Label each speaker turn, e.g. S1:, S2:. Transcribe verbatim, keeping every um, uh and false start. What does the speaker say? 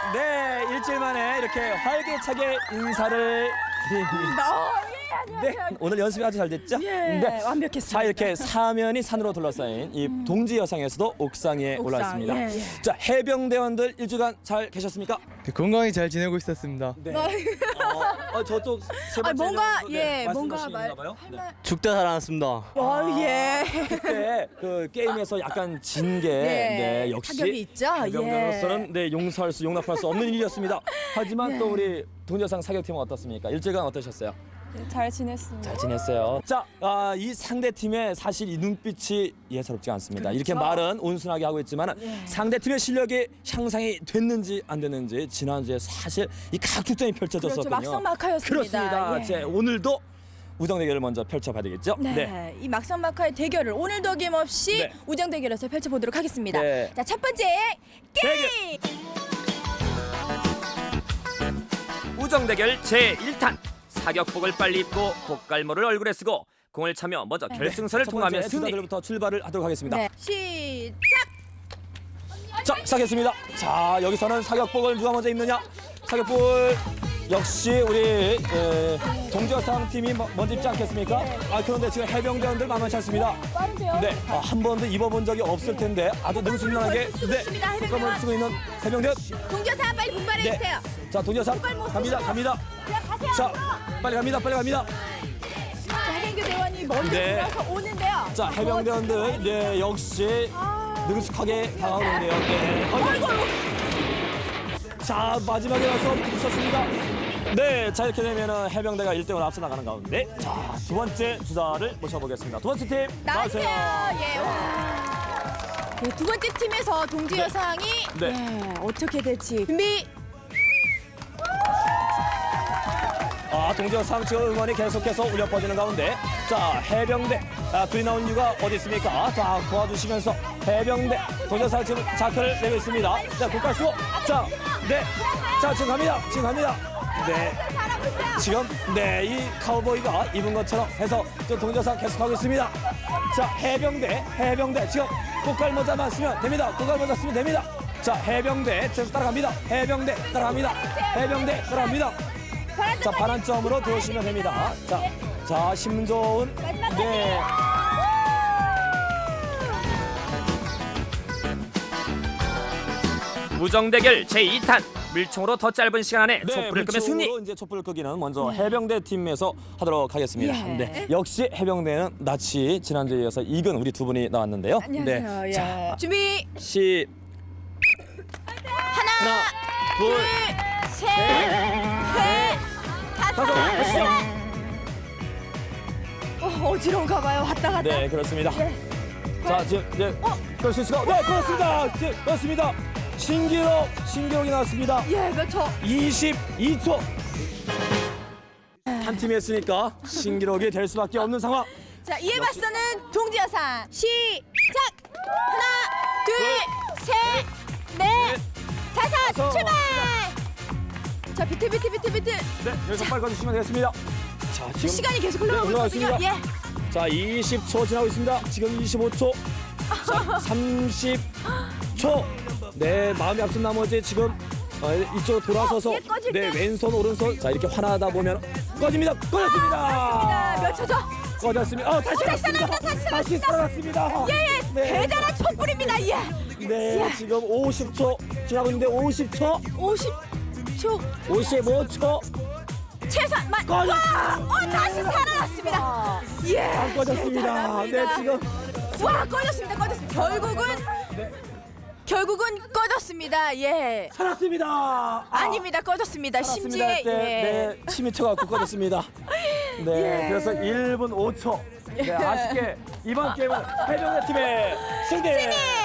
S1: 네, 일주일 만에 이렇게 활기차게 인사를 드립니다.
S2: 어, 예, 안녕하세요.
S1: 네, 오늘 연습이 아주 잘 됐죠?
S2: 예,
S1: 네.
S2: 완벽했습니다.
S1: 자, 이렇게 사면이 산으로 둘러싸인 이 동지 여상에서도 옥상 위에
S2: 옥상,
S1: 올라 있습니다.
S2: 예, 예.
S1: 자, 해병대원들 일주간 잘 계셨습니까?
S3: 네, 건강히 잘 지내고 있었습니다.
S1: 네. 어, 어, 저쪽 세 번째
S2: 아, 뭔가,
S1: 정도,
S2: 예, 뭔가
S1: 말씀하시는가
S2: 말-
S1: 봐요. 네.
S3: 죽다 살아났습니다.
S2: 어, 예.
S1: 그때 그 게임에서 약간 진 게
S2: 네,
S1: 네, 역시
S2: 타격이 있죠?
S1: 해병대로서는 네, 용서할 수 용납할 수 없는 일이었습니다. 하지만
S2: 네.
S1: 또 우리 동료상 사격팀은 어떻습니까? 일주간 어떠셨어요?
S4: 잘 지냈습니다.
S1: 잘 지냈어요. 자, 아, 이 상대 팀의 사실 이 눈빛이 예사롭지 않습니다. 이렇게
S2: 그렇죠.
S1: 말은 온순하게 하고 있지만
S2: 네.
S1: 상대 팀의 실력이 향상이 됐는지 안 됐는지 지난주에 사실 이 각축전이 펼쳐졌었거든요.
S2: 그렇죠. 막상막하였습니다.
S1: 그렇습니다.
S2: 예.
S1: 제 오늘도 우정 대결을 먼저 펼쳐봐야 되겠죠?
S2: 네. 이 막상막하의 대결을 오늘도 어김없이
S1: 네.
S2: 우정 대결에서 펼쳐보도록 하겠습니다.
S1: 네.
S2: 자, 첫 번째 게임.
S1: 우정 대결 제일 탄. 사격복을 빨리 입고 고깔모를 얼굴에 쓰고 공을 차며 먼저 결승선을 통하면 승리. 부터 출발을 하도록 하겠습니다.
S2: 네. 시작.
S1: 자, 시작했습니다. 자, 여기서는 사격복을 누가 먼저 입느냐? 사격복을 역시 우리 에, 동지여상 팀이 뭐- 먼저 입지 않겠습니까? 아, 그런데 지금 해병대원들 만만치 않습니다.
S4: 빠르세요?
S1: 네, 아, 한 번도 입어본 적이 없을 텐데 아주 능숙하게
S2: 쓰고 있습니다, 해병대원.
S1: 국감을 쓰고 있는 해병대원.
S2: 동교사 빨리 분발해
S1: 네.
S2: 주세요.
S1: 자, 동지여상
S2: 못
S1: 갑니다,
S2: 쓰시고.
S1: 갑니다.
S2: 그냥 가세요.
S1: 자, 빨리 갑니다, 빨리 갑니다.
S2: 자, 해병대 대원이 먼저
S1: 네.
S2: 들어서 오는데요.
S1: 자, 해병대원들 네, 역시 능숙하게 다가오는데요. 네.
S2: 아이고,
S1: 자, 마지막에 와서 부딪혔습니다. 네, 자, 이렇게 되면은 해병대가 일 대 영으로 앞서 나가는 가운데 자, 두 번째 주자를 모셔보겠습니다. 두 번째 팀
S2: 나오세요.
S1: 나오세요.
S2: 예. 와. 네, 두 번째 팀에서 동지 여상이
S1: 네.
S2: 예, 어떻게 될지 준비.
S1: 아, 동지여상 지금 응원이 계속해서 울려 퍼지는 가운데 자, 해병대 아, 둘이 나온 이유가 어디 있습니까? 자, 도와주시면서 해병대 동지여상 지금 자크를 내고 있습니다. 자, 국가 수. 자, 네. 자, 지금 갑니다. 지금 갑니다. 네. 지금 네, 이 카우보이가 입은 것처럼 해서 저 동지여상 계속하고 있습니다. 자, 해병대, 해병대 지금 꽃갈모자만 쓰면 됩니다. 꽃갈모자 쓰면 됩니다. 자, 해병대 지금 따라갑니다. 해병대 따라갑니다. 해병대 따라갑니다. 자, 반환점으로 들어오시면 됩니다. 자, 자, 심 좋은 네.
S5: 우정 대결 제이 탄 물총으로 더 짧은 시간 안에
S1: 네,
S5: 촛불을 끄면 승리.
S1: 물총으로 이제 촛불을 끄기는 먼저 해병대 팀에서 하도록 하겠습니다.
S2: 예.
S1: 네, 역시 해병대는 낯이 지난주에 이어서 이근 우리 두 분이 나왔는데요.
S2: 안녕하세요.
S1: 네,
S2: 예.
S1: 자,
S2: 준비.
S1: 시
S2: 하나,
S1: 하나, 둘,
S2: 둘, 셋, 넷, 다섯,
S1: 다섯, 가시죠.
S2: 어, 어지러운가 봐요. 왔다 갔다.
S1: 네, 그렇습니다.
S2: 예.
S1: 자, 지금 네, 그럴 수 있을까? 네, 그렇습니다. 네, 그렇습니다. 신기록, 신기록이 나왔습니다.
S2: 예, 몇 초?
S1: 이십이 초. 한 팀이 했으니까 신기록이 될 수밖에 없는 상황.
S2: 자, 이에 맞서는 동지 여상 시작. 하나, 둘, 셋, 넷, 다섯,
S1: 다섯.
S2: 출발. 자, 비트 비트 비트 비트.
S1: 네, 여기서 빨리 꺼주시면 되겠습니다. 자, 지금
S2: 시간이 계속
S1: 네,
S2: 흘러가고
S1: 올라가겠습니다.
S2: 있거든요. 예.
S1: 자, 이십 초 지나고 있습니다. 지금 이십오 초. 자, 삼십 초. 네, 마음이 앞선 나머지 지금 어, 이쪽으로 돌아서서
S2: 어, 예, 꺼질
S1: 네,
S2: 때.
S1: 왼손 오른손 자, 이렇게 환하다 보면 꺼집니다. 꺼졌습니다.
S2: 자, 몇 초죠?
S1: 꺼졌습니다. 어, 다시
S2: 다시
S1: 살았습니다.
S2: 살아났다, 다시
S1: 다시 살아났습니다.
S2: 예, 예.
S1: 네.
S2: 대단한 촛불입니다. 예.
S1: 네, 지금 오십 초 지나고 있는데 오십 초,
S2: 오십 초
S1: 오십오 초.
S2: 최소만.
S1: 꺼져.
S2: 와, 어, 다시 살아났습니다. 예.
S1: 안 꺼졌습니다. 네,
S2: 대단합니다.
S1: 지금
S2: 와, 꺼졌습니다. 꺼졌습니다. 결국은 결국은 꺼졌습니다. 예.
S1: 살았습니다. 아,
S2: 아닙니다. 꺼졌습니다.
S1: 살았습니다
S2: 심지어
S1: 할 때,
S2: 예.
S1: 네, 침이 쳐갖고 꺼졌습니다. 네,
S2: 예.
S1: 그래서 일 분 오 초. 네, 아쉽게 이번 게임은 해병대 팀의 승리.
S2: 승리!